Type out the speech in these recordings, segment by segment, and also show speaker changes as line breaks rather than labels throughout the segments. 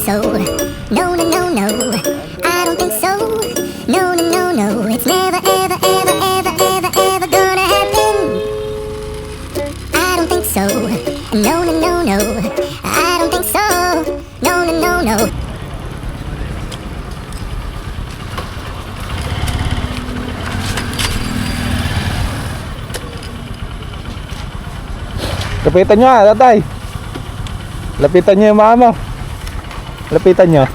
so. No, no, no, no. I don't think so. No, no, no, no. It's never, ever, ever, ever, ever, ever gonna happen. I don't think so. No, no, no, no. I don't think so. No, no, no, no.
Lapitan nyo tatay. Lapitan nyo yung mga mo. Lapitan nyo.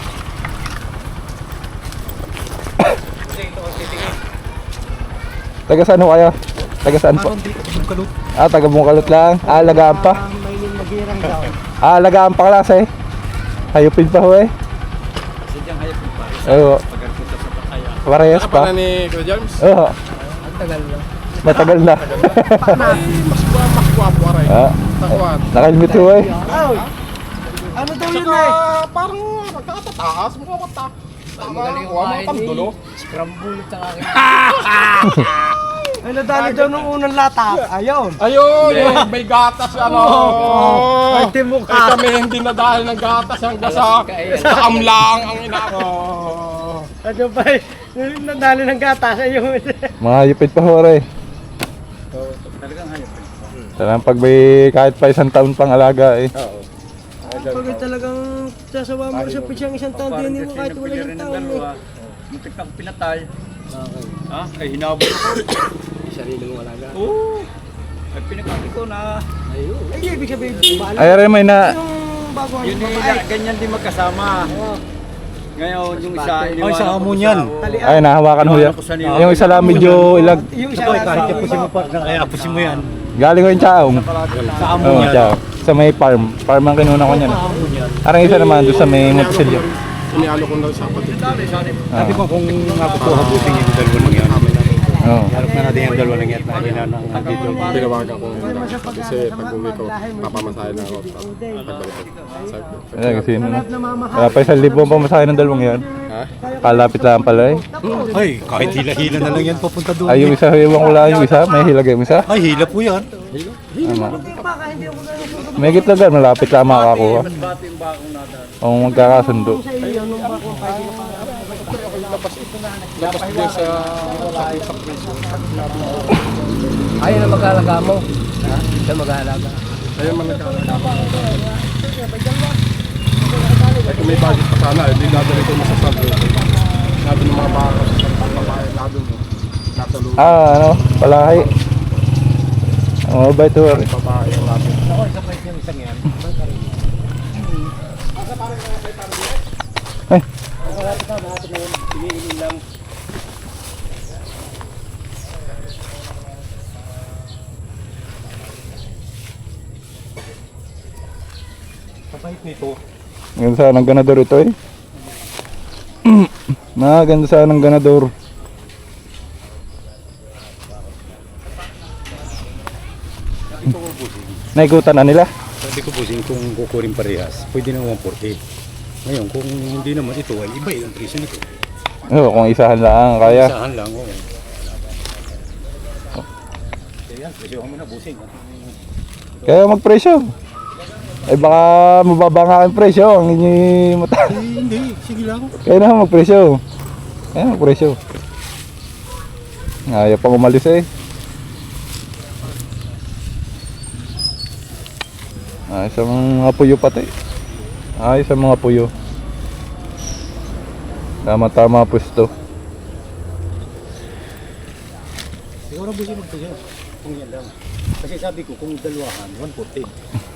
Taga saan ho kayo? Taga saan po? Taga Bungkalot lang. Lagaan pa. Lagaan pa klase. Hayupin pa ho eh.
Sadyang hayupin pa.
Oo.
Pagkapunta sa Pataya.
Parehas pa.
Ano ni Kuya James?
Oo.
Ang tagal na.
Matagal na.
Mas guwapo aray. Takwad.
Naka-helmet ho eh.
Ano daw yun
Saka
eh?
parang nagkakataas. Mukha mata.
Magaling
Kuha mga
kumain
pandulo.
Scramble sa akin.
Ay, nadali daw nung unang lata. Ayun.
Ayun, yung may gatas ano.
Ay, timok
Eh kami hindi na dahil ng gatas hanggang sa amlang ang inako.
Ano ba eh? Nung nadali ng gatas. Ayun.
Mga hayupin pa ho eh.
Talagang hayupin.
Talagang pag may kahit pa isang taon pang alaga eh.
Pag talagang sasawa mo sa pisyang isang taon, din mo kahit wala isang taon eh.
Muntik na pinatay. Ha? Ay hinabol ko. Sarili mong alaga. Oo. Ay pinakaki ko na. Ayun.
Ay, ibig sabihin, bahala.
Ay rin may na.
Yung bago
Yun eh, ganyan din magkasama. Ngayon yung isa iniwanan
Ay, sa
ko
amo
sa-
niyan.
Oo.
Ay nahawakan ho yan. Yung isa lang medyo ilag.
Yung isa
Ito,
lang
kahit apusin mo pa, kaya apusin mo yan.
Galing ko yung chaong.
Sa amo
Oo,
niyan.
chaong. Sa may farm. Farm ang kinuna ko niyan.
Sa amo niyan.
Arang isa naman doon sa may Monticello.
Inialo ko na sa kapatid.
Sabi ko kung nakukuhabusin yung dalawa lang yan.
Oo.
Harap na natin yung dalawa lang yan. Lagi na nang nandito.
Tinawagan ko kasi pag uwi ko, papamasahin na ako. Pagbalik ko. Sabi ko.
Ayan, kasi wala pa 1,000 ang pamasahe ng dalawang yan.
Ha?
Kalapit lang pala eh.
Ay, kahit hila-hila na lang yan papunta doon.
Ay, yung isa, iwan ko lang yung isa. May hilag yung isa.
Ay, hila po yan.
Ano? May gitlagan, malapit lang makakuha. Kung magkakasundo.
Labas din sa preso.
Ayun ang mag-aalaga mo. Ha? Siya mag-aalaga.
Ayun man nagkakalaga. Ay kung may budget pa sana, hindi dadali ko mo sa sabi. Lado ng mga baka sa babae, lado mo. Nasa loob.
Ano? Palahi. Oh, ba ito?
Babae ang lado.
Ako, isa pa yung isang yan.
Ay.
Kapahit nito.
Ganda sana ng ganador ito eh. Ganda sana ng ganador. Naikutan na nila.
Sabi ko busing kung kukurin parehas, pwede na 140. Ngayon, kung hindi naman ito, ay iba yung presyo nito.
Oo, kung isahan lang kaya.
Isahan lang, oo. Kaya yan, presyo mo na busing.
Kaya magpresyo. Ay baka mababa nga ang presyo ang inyong mata.
Hindi, sige lang.
Kaya na magpresyo. Kaya magpresyo. Ayaw pang umalis eh. Ayos ang mga puyo pati. Ayos ang mga puyo. Tama-tama pwesto.
Siguro busing magpresyo. Kung yan lang. Kasi sabi ko, kung dalawahan, 140.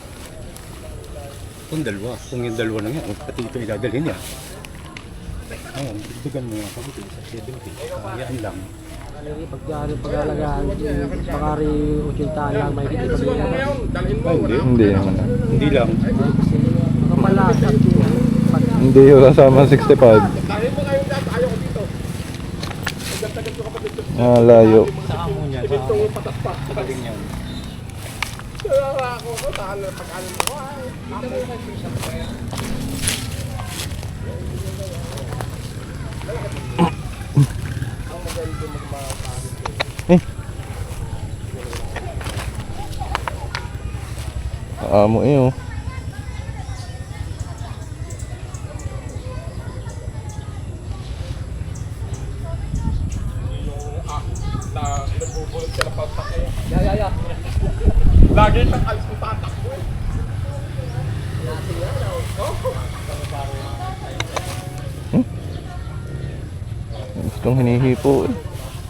Kung dalawa, kung yung dalawa lang yan, pati ito idadalhin niya. Ayun, dugtugan mo yan, sabi ko, sa 70. Kayaan lang.
Pag-alagaan, pakari 80 lang, may hindi pa
Ano ngayon? Dalhin mo.
Ay, hindi.
Hindi naman.
Hindi lang.
Kapalasat.
Hindi yung kasama 65.
Dalhin mo ngayon dyan. Ayaw ko dito. Agad-agad ko kapatid ko.
Layo.
Sa amo niya, sa amo. Pagaling yan.
Kaya ako ko, saan na pag-alam mo. Ay,
Eh. Amo eh oh. Gustong hinihipo eh.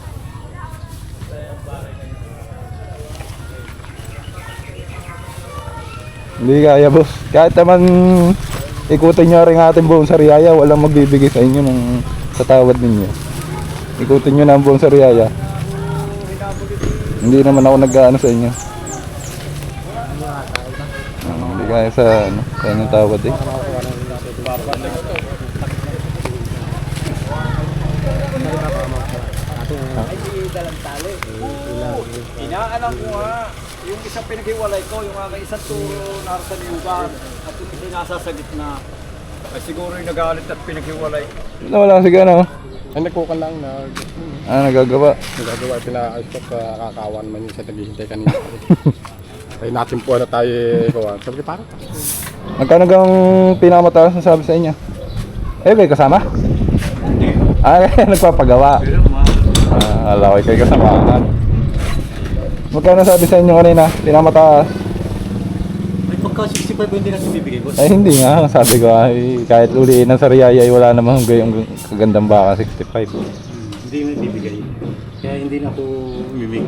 Hindi kaya boss. Kahit naman ikutin nyo rin ating buong Sariaya, walang magbibigay sa inyo ng sa tawad ninyo. Ikutin nyo na ang buong Sariaya. Hindi naman ako nag-ano sa inyo. Hindi kaya sa ano, sa inyong tawad eh.
Inaalam ko nga, yung isang pinaghiwalay ko, yung aking isang turo na sa liugan, at yung isa nasa gitna, ay siguro yung nagalit at pinaghiwalay.
Wala sige ano.
Ay, nagkukan lang na
Nagagawa.
nagagawa, pinaayos ko sa kakawan man yung sa naghihintay kanina. Ay natin po na tayo ikaw. Sabi ko, para.
Magkano gang pinakamataas na sabi sa inyo? Eh, kayo kasama? Nagpapagawa. Alam ko kayo kasama. Magkano sabi sa inyo kanina? Pinakamataas?
Ay, pagka 65 hindi natin bibigay, boss.
Ay, hindi nga. Sabi ko, ay, kahit uliin ng Sariaya, ay wala namang yung kagandang baka 65.
Hindi na bibigay. Kaya hindi na ako umimig.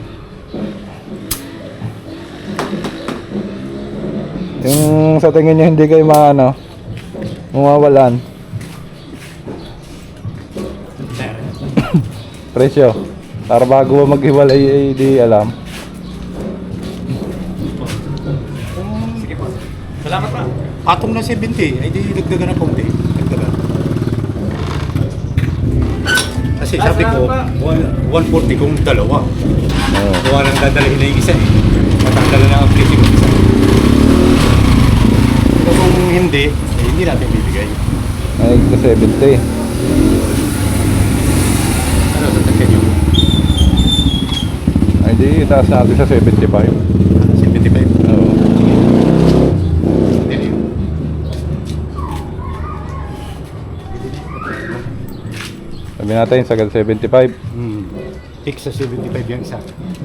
Yung sa tingin nyo hindi kayo maano, mawawalan. Presyo. Para bago maghiwalay ay di alam.
Sige po. Salamat pa. Patong na 70, ay di dagdagan ng konti. Dagdagan. Kasi sabi ko, 140 kung dalawa. Gawa lang dadalhin na yung isa eh. Matanggal na ang presyo ng isa. Pero kung hindi, eh, hindi natin bibigay.
Ay, ito 70.
Ano sa tagyan yung
Ay, di, itaas natin sa 75.
75?
Oo.
Hindi na yun.
Sabi natin, sagad 75.
Fix sa 75 yung isa.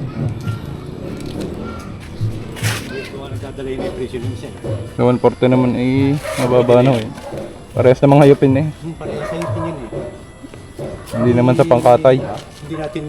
Gawa lang dadalhin na yung presyo ng isa.
Sa 140 naman ay mababa na eh. Parehas namang hayupin eh.
Parehas sa yun yun eh.
Hindi naman sa pangkatay.
Hindi natin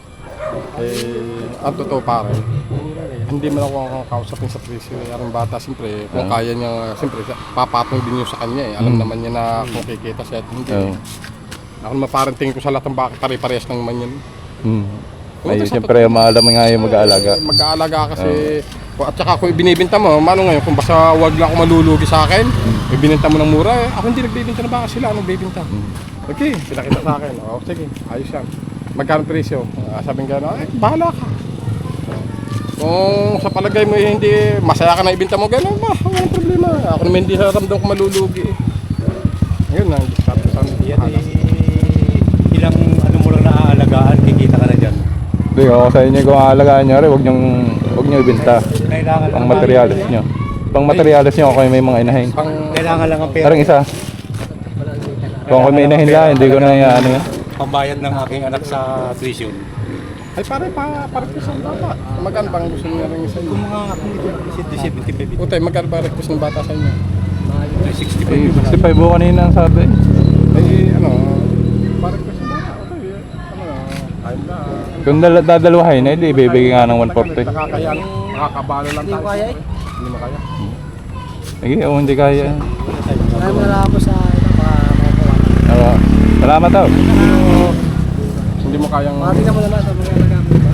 Ang totoo pare, hindi mo lang ako kausapin sa presyo. Yung bata, siyempre, kung kaya niya, siyempre, papatong din yun sa kanya eh. Alam naman niya na kung kikita siya at hindi.
Oo.
Ako naman parang tingin ko sa lahat ng baka, pare-parehas lang naman yan.
Ay, siyempre, maalam nga yung mag-aalaga.
Mag-aalaga kasi, at saka kung ibinibinta mo, mano ngayon, kung basta wag lang ako malulugi sa akin, ibinenta mo ng mura eh. Ako hindi nagbibinta na baka sila, anong bibinta? Okay, pinakita sa akin. O, sige, ayos yan. Magkano presyo? Sabi nga, ay, bahala ka. Kung sa palagay mo hindi masaya ka na ibinta mo, gano'n ba? Walang problema. Ako naman hindi naramdam ko malulugi eh. Ayun na,
yan ilang ano mo lang naaalagaan, kikita ka na dyan.
Hindi, ako sa inyo kung aalagaan nyo rin, huwag nyo ibenta.
Kailangan
Pang materialis nyo. Pang materialis nyo, ako may mga inahin.
Kailangan lang ang pera.
Parang isa. Kung ako may inahin lang, hindi ko na ano yan.
Pambayad ng aking anak sa tuition.
ay pare request ng bata. Magkano bang gusto niya rin sa inyo?
Kung mga ako 75.
Utay, magkano ba request ng bata sa inyo?
65
Ay,
yung
65 buo kanina ang sabi.
Ay, ano, request ng bata. Okay, ano, ayun na.
Kung dadalawahin, eh, di ibibigay nga ng 140.
Nakakaya, nakakabalo lang tayo.
Hindi ko kaya eh.
Hindi mo kaya.
Sige, hindi kaya.
Maraming wala ako sa mga
Oo. Salamat daw.
Hindi mo kayang...
Tingnan mo na lang sa mga nagamit ba?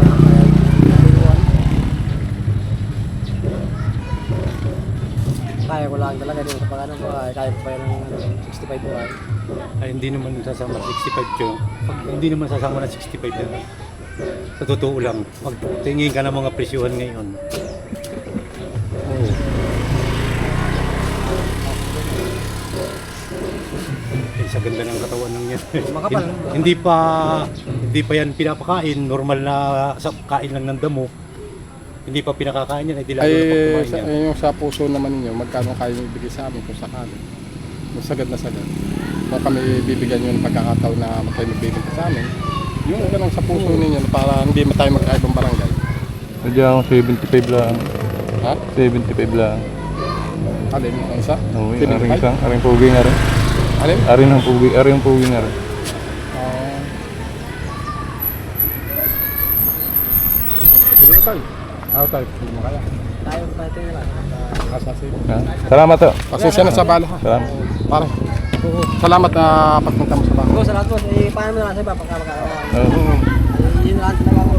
Kaya ko lang talaga din sa pag-ano ko. Kaya ko pa yun ng 65 buwan.
Ay, hindi naman sasama 65 yun. Hindi naman sasama ng 65 yan. Sa totoo lang, magtingin ka ng mga presyuhan ngayon. Oo. Eh, sa ganda ng katawan ng yan.
Makapal.
hindi pa yan pinapakain, normal na kain lang ng damo. Hindi pa pinakakain yan, ay di lalo na pag kumain
sa,
yan.
yung sa puso naman ninyo, magkano kayo ibigay sa amin kung sakali? Sagad na sagad. Kung kami bibigyan nyo ng pagkakataon na kayo magbibigay sa amin, yung ganun sa puso ninyo para hindi tayo magkaibang barangay.
Medyo akong 75 lang.
Ha?
75 lang.
Alin yung isa?
Oo, yung
75?
aring isang, aring pugi nga rin.
Alin?
Aring pugi nga rin.
Hindi tayo. Ako tayo. Hindi mo kaya.
Tayo ba ito lang?
Asasi.
Ha? Salamat to.
Pasensya na sa bala ha.
Salamat.
Pare. Salamat na pagpunta mo sa bahay.
Oo, salamat po. Eh, paano mo naman sa iba pagkakakaroon?
Oo.
Yun lang talaga ako.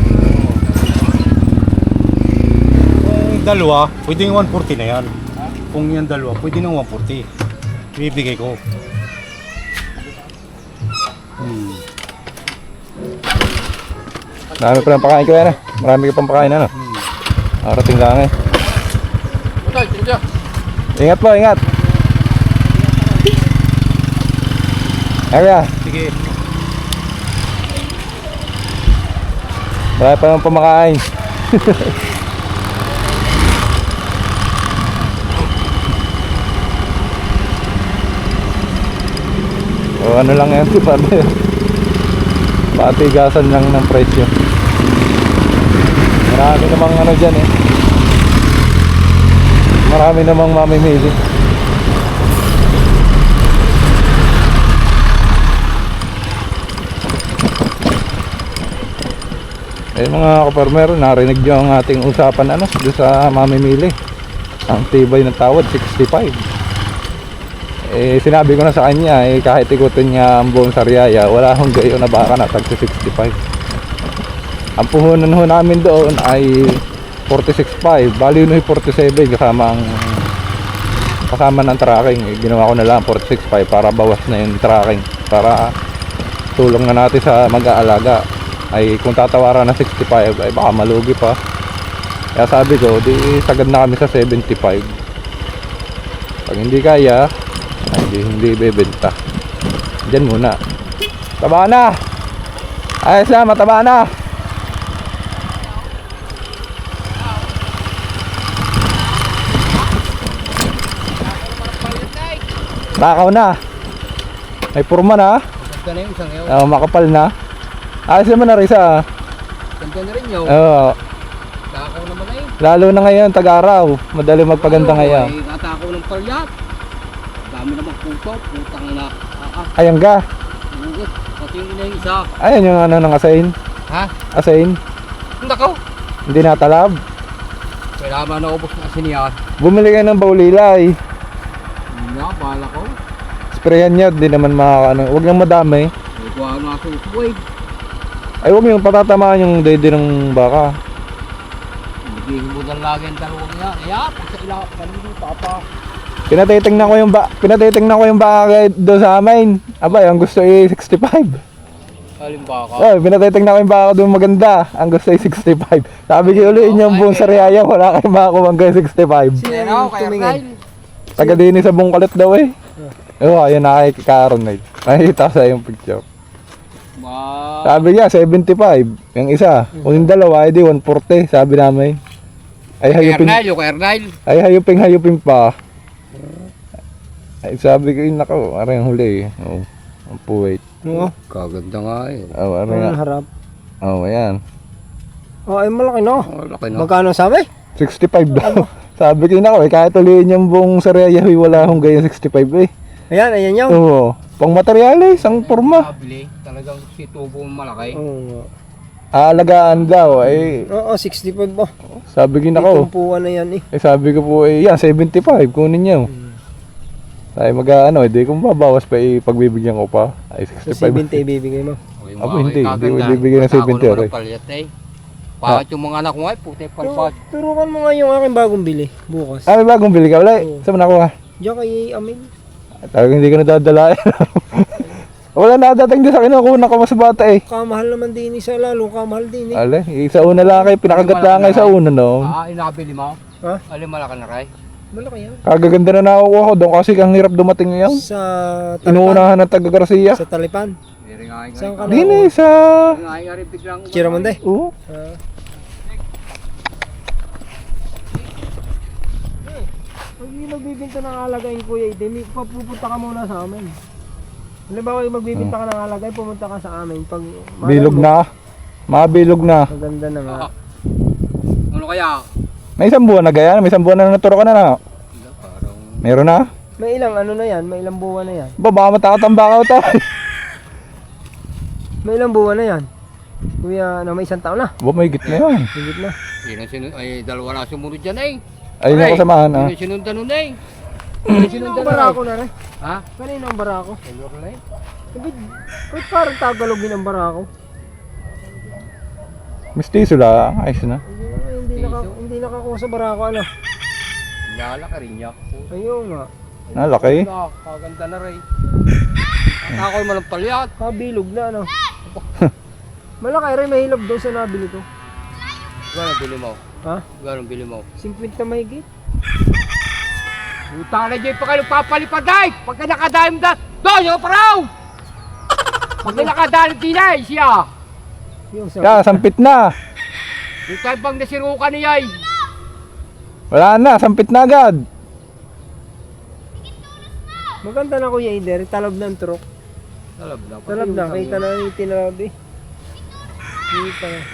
Kung dalawa, pwede yung 140 na yan. Kung yan dalawa, pwede ng 140. Bibigay ko.
Marami pa lang pakain ko yan eh. Marami ka pang pakain ano. Arating lang eh.
Okay, thank you.
Ingat po, ingat. Kaya,
Sige.
marami pa lang pamakain. O ano lang yan, patigasan lang ng presyo. Marami namang ano dyan eh. Marami namang mamimili. Eh mga kaparmer, narinig nyo ang ating usapan ano, doon sa mamimili. Ang tibay ng tawad, 65. Eh sinabi ko na sa kanya, eh kahit ikutin niya ang buong Sariaya, wala akong gayo na baka na tag 65. Ang puhunan ho namin doon ay 46.5, bali yun ay 47 kasama ng tracking. Eh, ginawa ko na lang 46.5 para bawas na yung tracking, para tulong na natin sa mag-aalaga. Ay kung tatawaran na 65 ay baka malugi pa, kaya sabi ko di sagad na kami sa 75. Pag hindi kaya ay hindi bebenta, dyan muna. Taba na, ayos na, mataba na. Takaw na, may purma na.
Ganda na yung isang ngayon.
Makapal na. Ayos naman na rin sa
Ganda na rin yun. Takaw naman na yun.
lalo na ngayon, tag-araw. Madali magpaganda ngayon.
Ay, natakaw ng palyat. Dami namang puto. Putang na.
Ayan ka.
Pati yung ina yung isa.
Ayan yung ano ng asain.
Ha?
Asain.
Hindi ako.
Hindi natalab.
Kailangan na ubos na siniyat.
Bumili kayo ng baulilay.
Hindi nga, bahala ko.
Sprayan nyo, di naman makakano. Huwag nang madami.
May kuha nga ako usway.
Ay huwag yung patatamaan yung dede ng baka.
Hindi mo na lagi ang dalawang niya. Kaya, pag sa ila, kanino papa.
Pinatitingnan ko yung baka doon sa amin. Abay, ang gusto ay 65.
Halimbawa ka.
Oh, pinatitingnan ko yung baka doon maganda. Ang gusto ay 65. Sabi ko ulitin yung buong Sariaya, wala kayong makakuha hanggang 65.
Sino? Kaya Kyle.
Taga din sa Bungkalit daw eh. Oo, ayun nakikikaroon na. Nakikita sa yung picture. Sabi niya 75, yung isa. Kung yung dalawa, edi 140, sabi namin. Ay hayupin. Ay hayupin pa. Ay sabi ko, nako, aray ang huli. Oh, ang puwait.
Oo. Kaganda nga eh.
Oh, aray nga.
harap.
Oh, ayan.
Oh, ay malaki no.
Laki na.
Magkano sabi?
65 daw. Sabi ko, nako, kahit uliin yung buong Sariaya, wala akong ganyan 65 eh.
Ayan yun.
Oo. Pang materyales, ang porma.
Mabili. Talagang si tubo malaki.
Aalagaan daw, eh.
Oo, 65 ba?
Sabi ko, nako.
Tumpuan na yan eh.
Eh sabi ko po, eh yan, 75, kunin niyo. Ay mag-ano, hindi kung babawas pa, pagbibigyan ko pa. Ay 65.
70 ibibigay mo.
Abo, hindi ko ibibigay ng 70, okay.
Bakit yung mga anak ko ay puti palpat. Turukan mo nga yung aking bagong bili bukas.
Ah, may bagong bili ka, wala. Saan mo nakuha?
Diyan kay Amin.
Talagang hindi ko nadadala. Wala na dating din sa akin, nakuha ko mas bata eh.
Kamahal naman din isa, lalo kamahal din eh.
Ale, sa una lang kayo, pinakagat lang kayo sa una no.
Inabili mo? Ha? Alin malaki na kay? Malaki yan.
Kagaganda na nakukuha ko doon kasi ang hirap dumating ngayon.
Sa Talipan.
Inuunahan ng taga Garcia.
Sa Talipan. Saan ka na?
Dini sa...
Chiramonde.
Oo.
Pag hindi magbibinta ng alagay kuya, hindi papupunta ka muna sa amin. Halimbawa magbibinta ka ng alagay, pumunta ka sa amin. Pag
Bilog na. Mabilog na.
maganda na nga.
Ano kaya?
May isang buwan na gaya, may isang buwan na naturo ka na na. Meron na?
May ilang ano na yan, may ilang buwan na yan.
Baka matakatambakaw to.
May ilang buwan na yan. Kuya, ano, may isang taon na.
May higit na yan.
Higit na.
Ay, dalawa na sumunod dyan eh.
Ayun yung kasamahan ah.
Sinundan nun eh.
Kanino ang barako na rin?
Ha?
Kanino ang barako? Ba't parang Tagalogin ang barako?
Mistiso lang, ayos na.
Hindi nakakuha sa barako, ano?
Nyala ka rin niya.
Ayun nga.
Nalaki.
Kaganda na rin. Ako'y malang palyat.
Kabilog na, ano? Malaki rin, may hilab daw sa nabili ko.
Gano'ng bili mo?
Ha?
Gano'ng bili mo?
50 na mahigit.
Utang na dyan pa kayo papalipad ay! Pagka nakadalim da, doon yung paraw! Pagka nakadalim din ay siya!
Yung sa...
Kaya, sampit na.
Yung tayo bang nasirukan niya ay!
Wala na, sampit na agad.
Maganda na Kuya Ider, talab ng truck. Talab na, kita na yung tinalab eh. Kita na.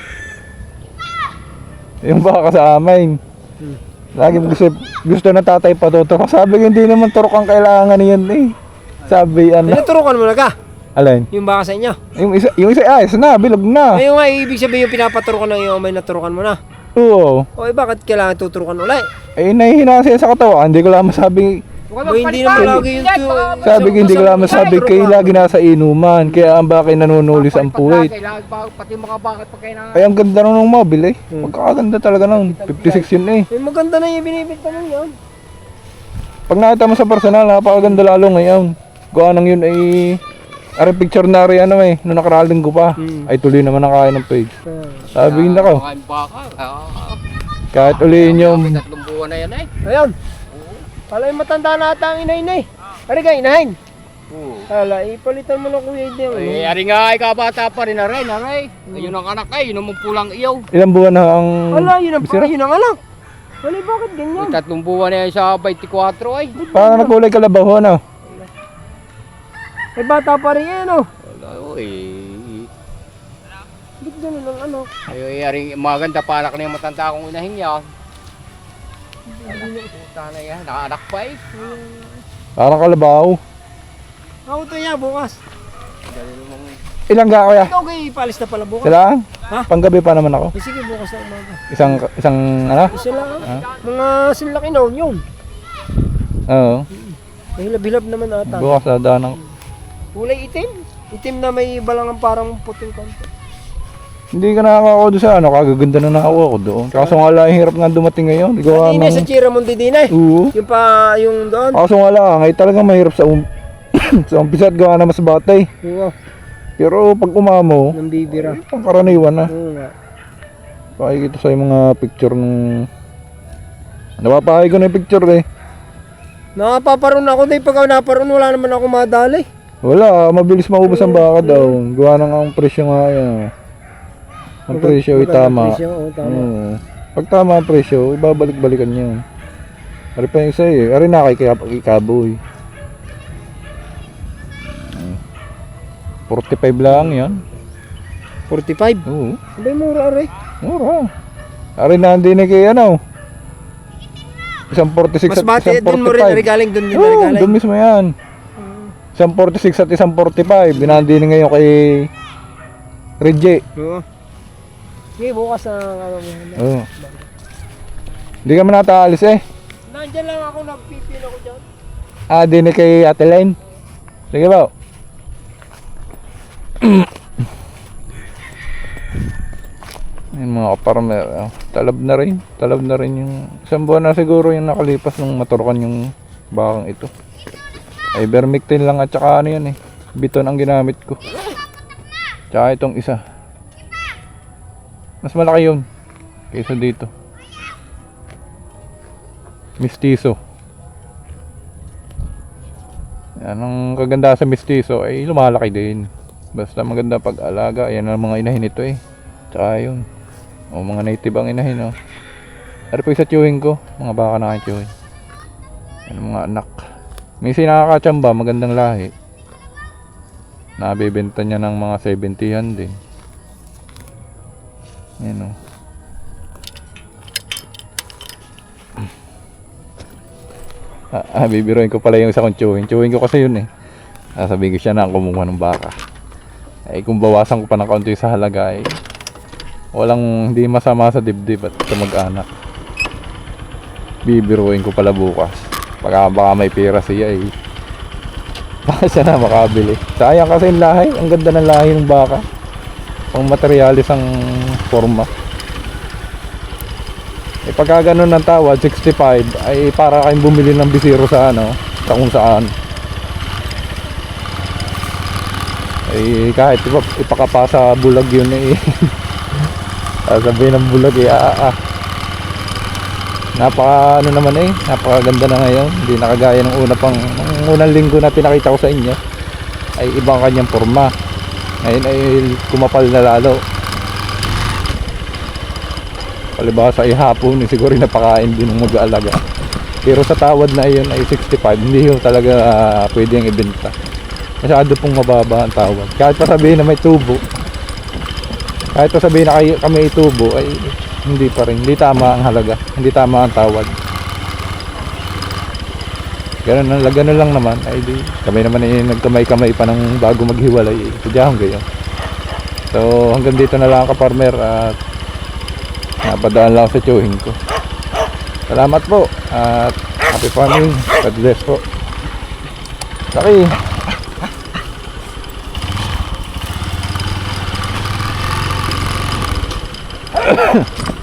Yung baka sa amin. Lagi gusto na tatay patutok. Sabi ko, hindi naman turok ang kailangan niyan eh. Sabi, ano.
Tinuturukan mo na ka?
Alin?
Yung baka sa inyo?
Yung isa, ayos na, bilog na.
Ayun nga, ibig sabihin yung pinapaturukan na yung may naturukan mo na.
Oo.
O bakit kailangan tuturukan ulit?
Eh, nahihina siya sa katawan. Hindi ko lang masabi.
Hindi naman lagi yung
Sabi ko, hindi ko lang masabi. Kayo lagi nasa inuman. Kaya ang bakit nanunulis ang puwit.
Pati mga bakit pag kayo na...
Ay, ang ganda nun ng mobile eh. Magkakaganda talaga nun. 56 yun eh.
Eh, maganda na yung binibigta mo yun.
Pag nakita mo sa personal, napakaganda lalo ngayon. Gawa nang yun ay... Ari picture na rin ano eh. Noong nakaraling ko pa. Ay tuloy naman ang kaya ng page. Sabi na ko.
Mga baka.
Kahit ulihin yung...
Tatlong buwan na yan eh.
Ayun. Pala yung matanda na ata ang inahin eh. Ari ka, inahin. Hala, ipalitan mo na Kuya Ider.
Eh, ari nga ay kabata pa rin na rin, aray. Ayun ang anak ay, yun ang pulang iyaw.
Ilang buwan na ang...
Hala, yun ang
bisira?
yun ang anak. Hala, bakit ganyan?
May tatlong buwan na yan sa 24 ay.
Paano nagkulay kalabaw ano?
Eh, bata pa rin yan oh.
Wala, eh.
Ba't ganun ang ano?
Ay, ari, maganda pa anak na yung matanda kong inahin yan. Puta na yan, nakaanak pa eh.
Parang kalabaw.
Ako to yan, bukas.
Ilang ga kuya?
Ikaw kayo ipalis na pala bukas.
Sila?
Ha?
Panggabi pa naman ako.
Eh, sige, bukas na umaga.
Isang ano?
Isa lang ah. Mga silaki na yun.
Oo.
Mahilab-hilab naman ata.
Bukas na daan ng...
Kulay itim. Itim na may balangang parang puting konti.
Hindi ka nakakakuha doon sa ano, kagaganda na nakakuha ko doon. Kaso nga lang, hirap nga dumating ngayon. Gawa
Dine
ng...
sa Chiramundi Dine.
Oo.
Yung pa, yung doon.
Kaso nga lang, ay talagang mahirap sa sa umpisa at gawa na mas batay.
Oo,
Pero pag umamo,
ng bibira.
pangkaraniwan na.
Oo nga.
Pakikita sa mga picture ng... Napapahay ko na yung picture eh.
Nakapaparoon ako dahil pag ako naparoon, wala naman ako madali.
Wala, mabilis maubos ang baka daw. Gawa ng ang presyo nga yan. Ang presyo ay tama.
Presyo, oo, tama.
Oo. Pag tama ang presyo, ibabalik-balikan niya. Ari pa yung isa eh. Ari na kay Kaboy. 45 lang yan.
45.
Oo.
Abay, mura rin.
Mura. Ari na hindi na kay ano. Isang 46
Mas
at
bati,
isang 45.
dun mo rin regaling, dun din
Oo,
regaling.
doon mismo yan. Isang 46 at isang 45. Binandi na ngayon kay Reggie.
Oo. Sige, bukas na ano mo.
Oo. Hindi ka man nataalis eh.
Nandiyan lang ako, nagpipil ako dyan.
Ah, di na kay Ate Len. Sige ba? Ayun mga kaparmer. Talab na rin. Talab na rin yung... Isang buwan na siguro yung nakalipas nung maturukan yung bakang ito. Ivermectin lang at saka ano yan eh. Biton ang ginamit ko. Tsaka itong isa. Mas malaki yun. Kaysa dito. Mistiso. Yan ang kaganda sa mistiso ay lumalaki din. Basta maganda pag-alaga. Ayan ang mga inahin ito eh. Tsaka yun. O mga native ang inahin o. Pero pag sa chewing ko, mga baka naka-chewing. Yan ang mga anak. Minsan nakakatsamba, magandang lahi. Nabibenta niya ng mga 70-an din. Yan o. Bibiruin ko pala yung isa kong chewing. Chewing ko kasi yun eh. Sabihin ko siya na kumuha ng baka. Kung bawasan ko pa ng kaunti sa halaga walang hindi masama sa dibdib at sa mag-anak. Bibiruin ko pala bukas. Baka may pera siya baka siya na makabili. Sayang kasi yung lahi. Ang ganda ng lahi ng baka. Pang materialis ang forma. Pagka ganun ng tawad 65 ay para kayong bumili ng bisiro sa sa kung saan kahit ipakapasa bulag yun sabihin ng bulag napaka napakaganda na ngayon. Hindi nakagaya ng unang linggo na pinakita ko sa inyo ay ibang kanyang forma. Ngayon ay kumapal na lalo. Palibasa ay hapon siguro napakain din ng mag-aalaga. Pero sa tawad na iyon ay 65, hindi yun talaga pwedeng ibenta. Masyado pong mababa ang tawad. Kahit pa sabihin na may tubo, kahit pa sabihin na kami itubo ay hindi pa rin, hindi tama ang halaga, hindi tama ang tawad. Ganun lang naman ay di kami naman ay nagkamay-kamay pa ng bago maghiwalay sadyang gayon. So hanggang dito na lang ka-farmer at napadaan lang sa chewing ko. Salamat po at happy farming. God bless po. Laki.